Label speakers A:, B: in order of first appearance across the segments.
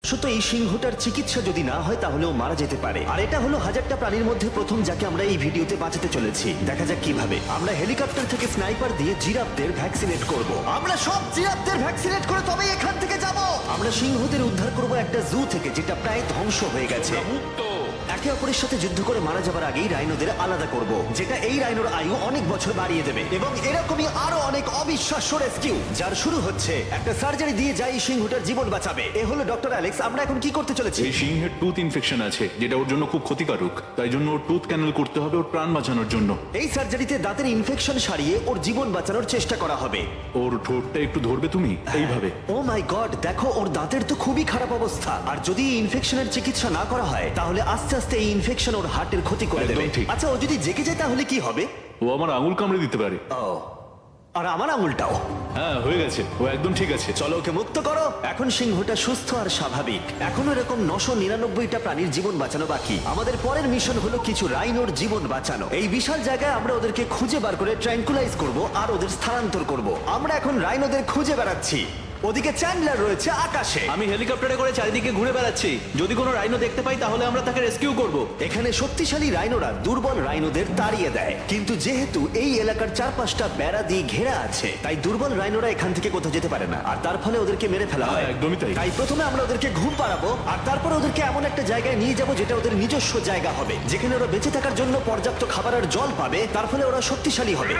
A: শুধু এই সিংহটার চিকিৎসা যদি না হয় তাহলে ও মারা যেতে পারে। আর এটা হলো হাজারটা প্রাণীর মধ্যে প্রথম যাকে আমরা এই ভিডিওতে বাঁচাতে চলেছি। দেখা যাক কিভাবে আমরা হেলিকপ্টার থেকে স্নাইপার দিয়ে জিরাফদের ভ্যাকসিনেট করব। আমরা সব জিরাফদের ভ্যাকসিনেট করে তবেই এখান থেকে যাব। আমরা সিংহদের উদ্ধার করব একটা জু থেকে যেটা প্রায় ধ্বংস হয়ে গেছে। একে অপরের সাথে যুদ্ধ করে মারা যাবার আগেই রাইনোদের আলাদা করব, যেটা এই রাইনোর আয়ু অনেক বছর বাড়িয়ে দেবে। এবং এরকমই আরো অনেক অবিশ্বাস্য রেস্কিউ যার শুরু হচ্ছে একটা সার্জারি দিয়ে যাই সিংহটার জীবন বাঁচাবে। এ হলো ডক্টর অ্যালেক্স। আমরা এখন কি করতে চলেছি?
B: এই সিংহের টুথ ইনফেকশন আছে যেটা ওর জন্য খুব ক্ষতিকারক, তাই জন্য ওর টুথ ক্যানেল করতে হবে ওর প্রাণ বাঁচানোর জন্য।
A: এই সার্জারিতে দাঁতের ইনফেকশন সারিয়ে ওর জীবন বাঁচানোর চেষ্টা করা হবে।
B: ওর ঠোঁটটা একটু ধরবে তুমি এইভাবে।
A: ও মাই গড, দেখো ওর দাঁতের তো খুবই খারাপ অবস্থা। আর যদি এই ইনফেকশনের চিকিৎসা না করা হয় তাহলে আস্তে আস্তে এই ইনফেকশন ওর হার্টের ক্ষতি করে
B: একদম
A: দেবে।
B: ঠিক।
A: আচ্ছা, ও যদি জেগে যায় তাহলে কি হবে?
B: ও আমার আঙুল কামড়ে দিতে পারে।
A: ও, আর আমার আঙুলটাও।
B: হ্যাঁ, হয়ে গেছে, ও একদম ঠিক আছে।
A: চলো ওকে মুক্ত করো। এখন সিংহটা সুস্থ আর স্বাভাবিক। এখনো এরকম 999টা প্রাণীর জীবন বাঁচানো বাকি। আমাদের পরের মিশন হলো কিছু রাইনোর জীবন বাঁচানো। এই বিশাল জায়গায় আমরা ওদেরকে খুঁজে বার করে ট্র্যাঙ্কুলাইজ করব আর ওদের স্থানান্তর করব। আমরা এখন রাইনোদের খুঁজে বেড়াচ্ছি। ওদিকে চ্যান্ডলার রয়েছে আকাশে।
C: আমি হেলিকপ্টারে করে চারিদিকে ঘুরে বেড়াচ্ছি। যদি কোনো রাইনো দেখতে পাই তাহলে আমরা তাকে রেস্কিউ করব।
A: এখানে শক্তিশালী রাইনোরা দুর্বল রাইনোদের তাড়িয়ে দেয়, কিন্তু যেহেতু এই এলাকার চারপাশটা বেড়া দিয়ে ঘেরা আছে তাই দুর্বল রাইনোরা এখান থেকে কোথাও যেতে পারে না, আর তার ফলে ওদেরকে মেরে ফেলা হয়।
B: হ্যাঁ, একদমই তাই।
A: তাই প্রথমে আমরা ওদেরকে ঘুম পাড়াবো আর তারপর ওদেরকে এমন একটা জায়গায় নিয়ে যাব যেটা ওদের নিজস্ব জায়গা হবে, যেখানে ওরা বেঁচে থাকার জন্য পর্যাপ্ত খাবার আর জল পাবে। তার ফলে ওরা শক্তিশালী হবে।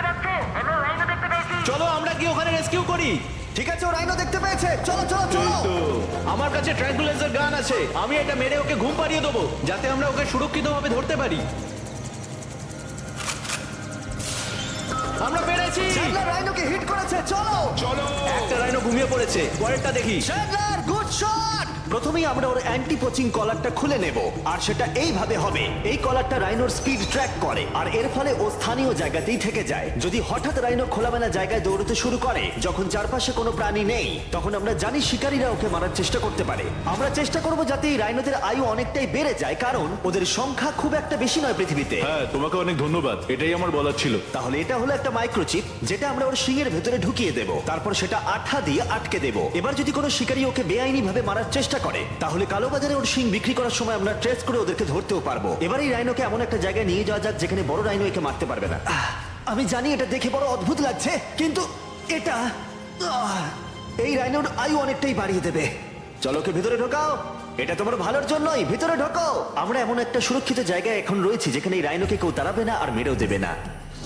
C: চলো আমরা কি ওখানে রেস্কিউ করি।
A: ঠিক আছে, ও রাইনো দেখতে পেয়েছে। চলো চলো চলো।
C: আমার কাছে ট্র্যাঙ্কুলাইজার গান আছে, আমি এটা মেরে ওকে ঘুম পাড়িয়ে দেবো যাতে আমরা ওকে সুরক্ষিতভাবে ধরতে পারি। আমরা পেরেছি।
A: চ্যান্ডলার রাইনোকে হিট করেছে। চলো
B: চলো।
C: একটা রাইনো ঘুমিয়ে পড়েছে, পরেরটা দেখি।
A: Chandler, good shot. প্রথমেই আমরা ওর অ্যান্টি পোচিং কলারটা খুলে নেব, আর সেটা এইভাবে হবে। এই কলারটা রাইনোর স্পিড ট্র্যাক করে, আর এর ফলে ও স্থানীয় জায়গাতেই থেকে যায়। যদি হঠাৎ রাইনো খোলামেলা জায়গায় দৌড়তে শুরু করে যখন চারপাশে কোনো প্রাণী নেই, তখন আমরা জানি শিকারীরা ওকে মারার চেষ্টা করতে পারে। আমরা চেষ্টা করব যাতে এই রাইনোদের আয়ু অনেকটাই বেড়ে যায়, কারণ ওদের সংখ্যা খুব একটা বেশি নয় পৃথিবীতে।
B: হ্যাঁ, তোমাকে অনেক ধন্যবাদ, এটাই আমার বলার ছিল।
A: তাহলে এটা হলো একটা মাইক্রোচিপ যেটা আমরা ওর শিংয়ের ভেতরে ঢুকিয়ে দেব, তারপর সেটা আঠা দিয়ে আটকে দেব। এবার যদি কোনো শিকারী ওকে বেআইনি ভাবে মারার চেষ্টা করে তাহলে কালোবাজারে ওর শিং বিক্রি করার সময় আমরা ট্রেস করে ওদেরকে ধরতেও পারবো। এবার এই রাইনোকে এমন একটা জায়গায় নিয়ে যাওয়া যাক যেখানে বড় রাইনো একে মারতে পারবে না। আমি জানি এটা দেখে বড় অদ্ভুত লাগছে, কিন্তু এটা এই রাইনোর আয়ু অনেকটাই বাড়িয়ে দেবে। চলো ওকে ভিতরে ঢোকাও, এটা তোমার ভালোর জন্যই। ভিতরে ঢোকো। আমরা এমন একটা সুরক্ষিত জায়গায় এখন রয়েছি যেখানে এই রাইনোকে কেউ তাড়াবে না আর মেরেও দেবে না।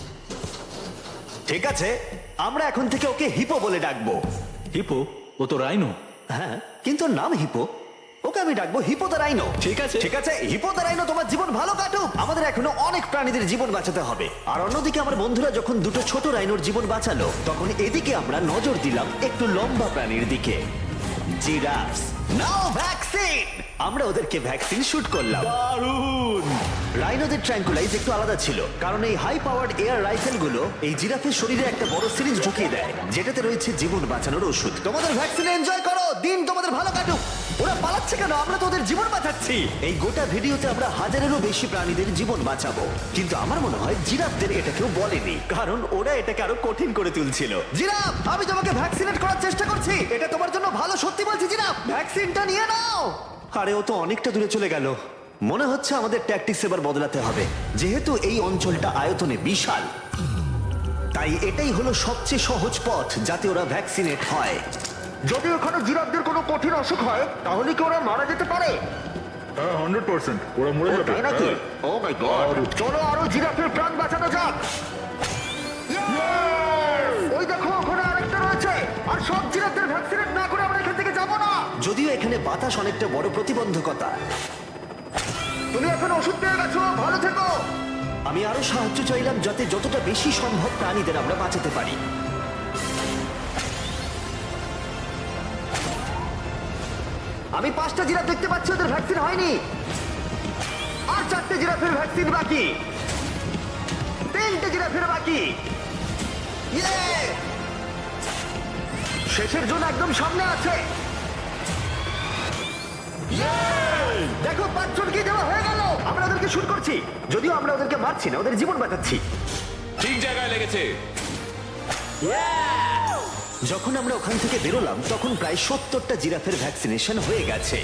A: ঠিক আছে, আমরা এখন থেকে ওকে হিপো বলে ডাকবো।
B: হিপো? ও তো রাইনো।
A: হ্যাঁ, কিন্তু ওর নাম হিপো। ওকে আমি ডাকবো হিপো দ্য রাইনো।
C: ঠিক আছে।
A: ঠিক আছে, হিপো দ্য রাইনো, তোমার জীবন ভালো কাটুক। আমাদের এখনো অনেক প্রাণীদের জীবন বাঁচাতে হবে। আর অন্যদিকে আমার বন্ধুরা যখন দুটো ছোট রাইনোর জীবন বাঁচালো, তখন এদিকে আমরা নজর দিলাম একটু লম্বা প্রাণীর দিকে, জিরাফস। নাও ভ্যাকসিন। আমরা ওদেরকে ভ্যাকসিন শুট করলাম।
B: দারুণ।
A: রাইনোদের ট্র্যাঙ্কুলাইজ একটু আলাদা ছিল, কারণ এই হাই পাওয়ার্ড এয়ার রাইফেল গুলো এই জিরাফের শরীরে একটা বড় সিরিঞ্জ ঢুকিয়ে দেয় যেটাতে রয়েছে জীবন বাঁচানোর ওষুধ। তোমাদের ভ্যাকসিন এনজয় করো, দিন তোমাদের ভালো কাটুক। ওরা পালাচ্ছে কেন? আমরা তো ওদের জীবন বাঁচাচ্ছি। এই গোটা ভিডিওতে আমরা হাজারেরও বেশি প্রাণীদের জীবন বাঁচাবো, কিন্তু আমার মনে হয় জিরাফদের এটা কেউ বলেনি, কারণ ওরা এটাকে আরো কঠিন করে তুলছিল। জিরাফ, আমি তোমাকে ভ্যাকসিনেট করার চেষ্টা করছি, এটা তোমার জন্য ভালো। সত্যি বলছি জিরাফ, ভ্যাকসিনটা নিয়ে নাও। আরে ও তো অনেকটা দূরে চলে গেল। মনে হচ্ছে আমাদের ট্যাকটিক্স এবার বদলাতে হবে। যেহেতু এই অঞ্চলটা আয়তনে বিশাল, তাই এটাই হলো সবচেয়ে সহজ পথ যাতে ওরা ভ্যাকসিনেট হয়। যদি ওখানে জিরাফদের কোনো কঠিন অসুখ হয় তাহলে কি ওরা মারা যেতে পারে?
B: হ্যাঁ, 100% ওরা মরে যাবে।
A: তাই নাকি? ও মাই গড, চলো আরো জিরাফের প্রাণ বাঁচানো যাক। ওই দেখো, ওখানে আরেকটা রয়েছে। আর সব জিরাফদের ভ্যাকসিনেট না করে আমরা এখান থেকে যাব না। যদিও এখানে বাতাস অনেকটা বড় প্রতিবন্ধকতা। তুমি এখন ওষুধ পেয়ে গেছো, ভালো থেকো। আমি আরো সাহায্য চাইলাম যাতে যতটা বেশি সম্ভব প্রাণীদের আমরা বাঁচাতে পারি। আমি 5টা জিরাফ দেখতে পাচ্ছি, ওদের ভ্যাকসিন হয়নি। আর 4টে জিরাফের ভ্যাকসিন বাকি। 3টে জিরাফের বাকি। ইয়ে! শেষের জন্য একদম সামনে আছে। দেখো, 5 জনকে দেওয়া হয়ে গেল। আমরা ওদেরকে শুট করছি, যদিও আমরা ওদেরকে মারছি না, ওদের জীবন বাঁচাচ্ছি।
C: ঠিক জায়গায় লেগেছে।
A: যখন আমরা ওখান থেকে বেরোলাম তখন প্রায় 70টা জিরাফের ভ্যাকসিনেশন হয়ে গেছে।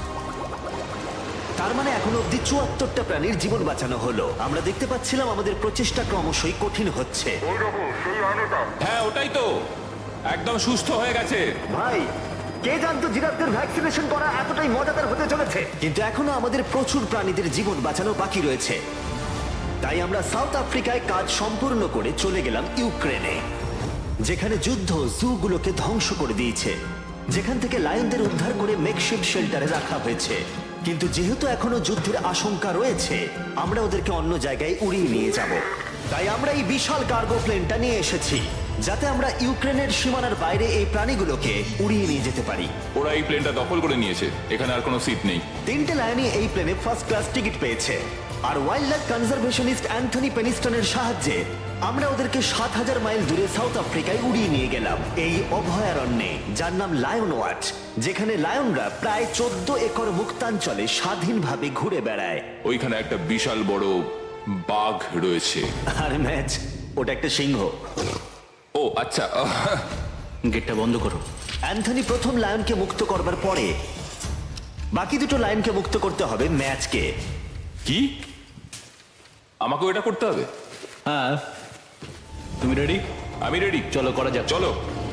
A: তার মানে এখন অব্দি 74টা প্রাণীর জীবন বাঁচানো হলো। আমরা দেখতে পাচ্ছিলাম আমাদের প্রচেষ্টা ক্রমশই কঠিন হচ্ছে।
D: হ্যাঁ ওটাই তো, একদম সুস্থ হয়ে গেছে।
A: ভাই, কে জানতো জিরাফদের ভ্যাকসিনেশন করা এতটাই মজাদার হতে চলেছে। কিন্তু এখনো আমাদের প্রচুর প্রাণীদের জীবন বাঁচানো বাকি রয়েছে। তাই আমরা সাউথ আফ্রিকায় কাজ সম্পূর্ণ করে চলে গেলাম ইউক্রেনে, যেখানে যুদ্ধ জুগুলোকে ধ্বংস করে দিয়েছে, যেখান থেকে লায়নদের উদ্ধার করে মেকশিফট শেল্টারে রাখা হয়েছে। কিন্তু যেহেতু এখনো যুদ্ধের আশঙ্কা রয়েছে, আমরা ওদেরকে অন্য জায়গায় উড়িয়ে নিয়ে যাব। তাই আমরা এই বিশাল কার্গো প্লেনটা নিয়ে এসেছি, যাতে আমরা ইউক্রেনের সীমানার বাইরে এই প্রাণীগুলোকে উড়িয়ে নিয়ে যেতে পারি।
D: ওরা এই প্লেনটা দখল করে নিয়েছে, এখানে আর কোনো সিট নেই।
A: 3টে লায়নই এই প্লেনে ফার্স্ট ক্লাস টিকিট পেয়েছে। আর ওয়াইল্ড লাইফ কনজারভেশনিস্ট অ্যান্থনি পেনিস্টনের সাহায্যে আমরা ওদেরকে 7000 মাইল দূরে সাউথ আফ্রিকায় উড়িয়ে নিয়ে গেলাম, এই অভয়ারণ্যে, যার নাম লায়ন ওয়াচ, যেখানে লায়নরা প্রায় 14 একর মুক্তাঞ্চলে স্বাধীনভাবে ঘুরে বেড়ায়।
D: ওইখানে একটা বিশাল বড় বাঘ রয়েছে।
A: আর ম্যাচ, ওটা একটা সিংহ।
D: ও আচ্ছা,
C: গেটটা বন্ধ করো।
A: অ্যান্থনি প্রথম লায়নকে মুক্ত করবার পরে বাকি দুটো লায়নকে মুক্ত করতে হবে ম্যাচকে।
D: কি আমাকেও এটা করতে হবে?
C: হ্যাঁ, তুমি রেডি?
D: আমি রেডি,
C: চলো করা যাক।
D: চলো।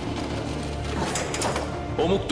D: ও মুক্ত।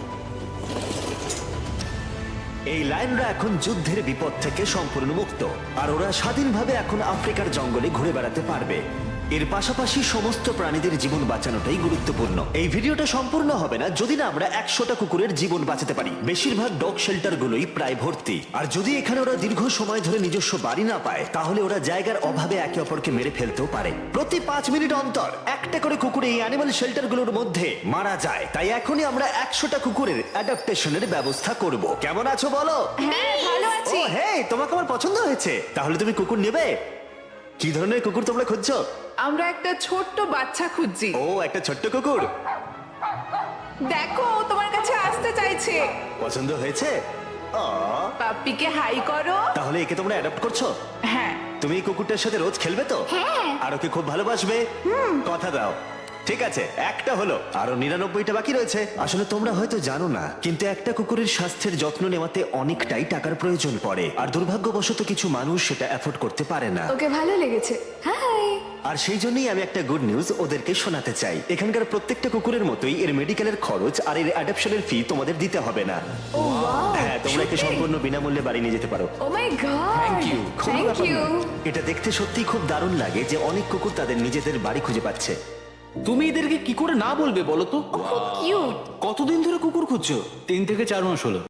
A: এই লায়নরা এখন যুদ্ধের বিপদ থেকে সম্পূর্ণ মুক্ত, আর ওরা স্বাধীনভাবে এখন আফ্রিকার জঙ্গলে ঘুরে বেড়াতে পারবে। এর পাশাপাশি সমস্ত প্রাণীদের জীবন বাঁচানোটাই গুরুত্বপূর্ণ। এই ভিডিওটা সম্পূর্ণ হবে না যদি না আমরা 100টা কুকুরের জীবন বাঁচাতে পারি। বেশিরভাগ ডগ শেল্টারগুলোই প্রায় ভর্তি, আর যদি এখানে ওরা দীর্ঘ সময় ধরে নিজস্ব বাড়ি না পায়, তাহলে ওরা জায়গার অভাবে একে অপরকে মেরে ফেলতেও পারে। প্রতি 5 মিনিট অন্তর একটা করে কুকুর এই অ্যানিমাল শেল্টারগুলোর মধ্যে মারা যায়। তাই এখনই আমরা 100টা কুকুরের অ্যাডাপ্টেশনের ব্যবস্থা করব। কেমন আছো বলো?
E: হ্যাঁ ভালো আছি।
A: ও হে, তোমাকে আমার পছন্দ হয়েছে। তাহলে তুমি কুকুর নেবে? কি ধরনের কুকুর তোমরা খুঁজছো?
E: আমরা একটা ছোট্ট বাচ্চা খুঁজছি।
A: ও, একটা ছোট্ট কুকুর
E: দেখো ও তোমার কাছে আসতে চাইছে।
A: পছন্দ হয়েছে? আ,
E: পাপ্পিকে হাই করো।
A: তাহলে একে তোমরা অ্যাডাপ্ট করছো?
E: হ্যাঁ।
A: তুমি এই কুকুরটার সাথে রোজ খেলবে তো?
E: হ্যাঁ।
A: আর ওকে খুব ভালোবাসবে? কথা দাও। ঠিক আছে, একটা হলো, আরো 99টা বাকি রয়েছে। আসলে তোমরা হয়তো জানো না, কিন্তু একটা কুকুরের স্বাস্থ্যের যত্ন নেওয়াতে অনেকটাই টাকার প্রয়োজন পড়ে, আর দুর্ভাগ্যবশত কিছু মানুষ সেটা অ্যাফোর্ড করতে পারে না।
F: ওকে ভালো লেগেছে। হাই।
A: আর সেই জন্যই আমি একটা গুড নিউজ ওদেরকে শোনাতে চাই। এখানকার প্রত্যেকটা কুকুরের মতোই এর মেডিকেলের খরচ আর এর অ্যাডাপশনের ফি তোমাদের দিতে হবে না।
F: Oh wow.
A: হ্যাঁ, তোমরা একে সম্পূর্ণ বিনামূল্যে বাড়ি নিয়ে যেতে পারো।
F: Oh my god.
C: Thank you.
F: Thank you.
A: এটা দেখতে সত্যি খুব দারুণ লাগে যে অনেক কুকুর তাদের নিজেদের বাড়ি খুঁজে পাচ্ছে।
C: তুমি এদেরকে কি করে না বলবে বলো তো?
F: কিউট।
C: কতদিন ধরে কুকুর খুঁজছো? 3 থেকে 4 মাস হলো।